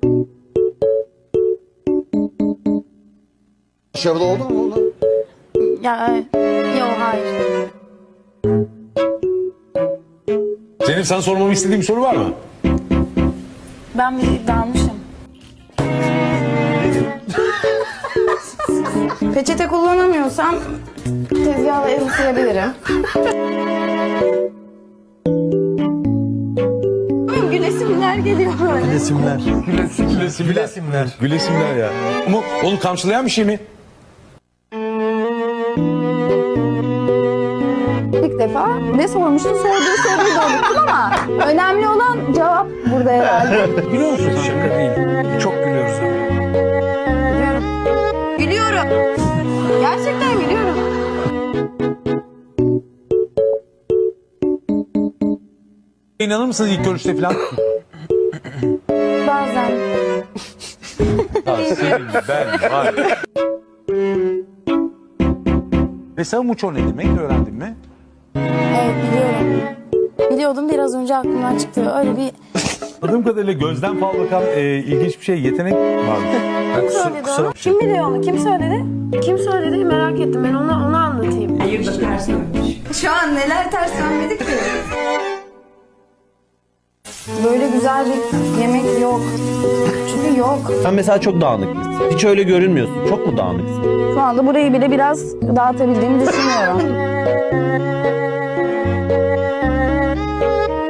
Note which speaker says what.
Speaker 1: Başarılı oldun mu oğlum?
Speaker 2: Ya yok hayır.
Speaker 3: Zeynep, sana sormamı istediğin bir soru var mı?
Speaker 2: Ben bir dalmışım. Peçete kullanamıyorsam tezgahla el ısırabilirim. Gülesimler geliyor böyle.
Speaker 4: Gülesimler.
Speaker 3: Gülesimler. Gülesimler ya. Ama onu kamçılayan bir şey mi?
Speaker 2: İlk defa ne sormuştun, sorduğu soruyu da unuttum ama önemli olan cevap burada herhalde.
Speaker 4: Gülüyor musun? Şaka değil. Çok gülüyoruz.
Speaker 2: Gülüyorum. Gülüyorum. Gerçekten gülüyorum.
Speaker 3: İnanır mısınız ilk görüşte falan?
Speaker 2: Bazen.
Speaker 3: Senin ben var. Mesela muço ne demek, öğrendin mi?
Speaker 2: Evet biliyorum. Biliyordum, biraz önce aklımdan çıktı. Öyle bir
Speaker 3: Anladığım kadarıyla gözden fal bakan ilginç bir şey, yetenek var.
Speaker 2: söyledi onu. Kim biliyor onu? Kim söyledi? Kim söyledi? Merak ettim. Ben onu anlatayım. Şu an neler ters dönmedik ki? Böyle güzel bir yemek yok. Çünkü yok.
Speaker 5: Sen mesela çok dağınıksın. Hiç öyle görünmüyorsun. Çok mu dağınıksın?
Speaker 2: Şu anda burayı bile biraz dağıtabildiğimi düşünüyorum.